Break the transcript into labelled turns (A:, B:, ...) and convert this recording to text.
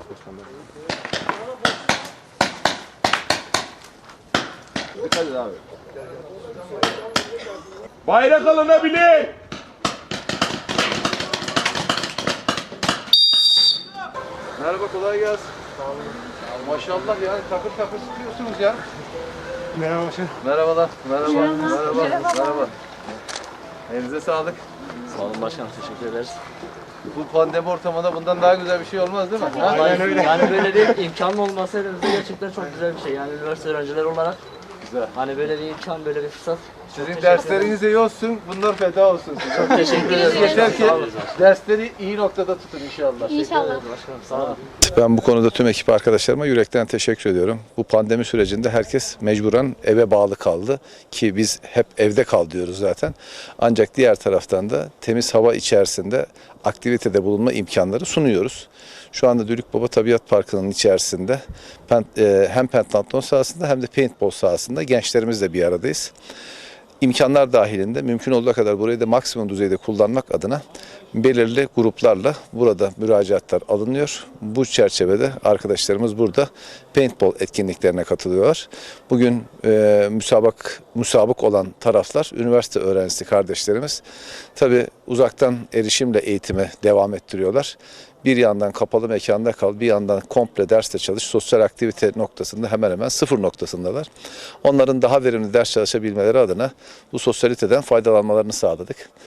A: Dikkat et abi.
B: Bayrak alınabilir.
A: Merhaba, kolay gelsin. Maşallah yani takır takır sıkıyorsunuz ya.
B: Merhaba başkanım.
A: Merhabalar. Merhaba. Elinize sağlık.
C: Sağ olun başkanım, teşekkür ederiz.
A: Bu pandemi ortamında bundan daha güzel bir şey olmaz değil mi? Ha?
C: Vallahi yani böyle bir imkanın olması elimizde gerçekten çok güzel bir şey. Yani üniversite öğrencileri olarak
A: Güzel.
C: hani böyle bir imkan, böyle bir fırsat.
A: Sizin dersleriniz iyi olsun, bunlar feda olsun size.
C: Çok teşekkür ederiz.
A: Yeter ki
C: Sağ olun.
A: dersleri iyi noktada tutun inşallah.
D: İnşallah.
C: Başkanım sağ olun.
E: Ben bu konuda tüm ekip arkadaşlarıma yürekten teşekkür ediyorum. Bu pandemi sürecinde herkes mecburen eve bağlı kaldı ki biz hep evde kal diyoruz zaten. Ancak diğer taraftan da temiz hava içerisinde aktivitede bulunma imkanları sunuyoruz. Şu anda Dülükbaba Tabiat Parkı'nın içerisinde hem pentatlon sahasında hem de paintball sahasında gençlerimizle bir aradayız. İmkanlar dahilinde mümkün olduğu kadar burayı da maksimum düzeyde kullanmak adına belirli gruplarla burada müracaatlar alınıyor. Bu çerçevede arkadaşlarımız burada paintball etkinliklerine katılıyorlar. Bugün müsabık olan taraflar üniversite öğrencisi kardeşlerimiz. Tabii uzaktan erişimle eğitime devam ettiriyorlar. Bir yandan kapalı mekanda kal, bir yandan komple derste çalış, sosyal aktivite noktasında hemen hemen sıfır noktasındalar. Onların daha verimli ders çalışabilmeleri adına bu sosyaliteden faydalanmalarını sağladık.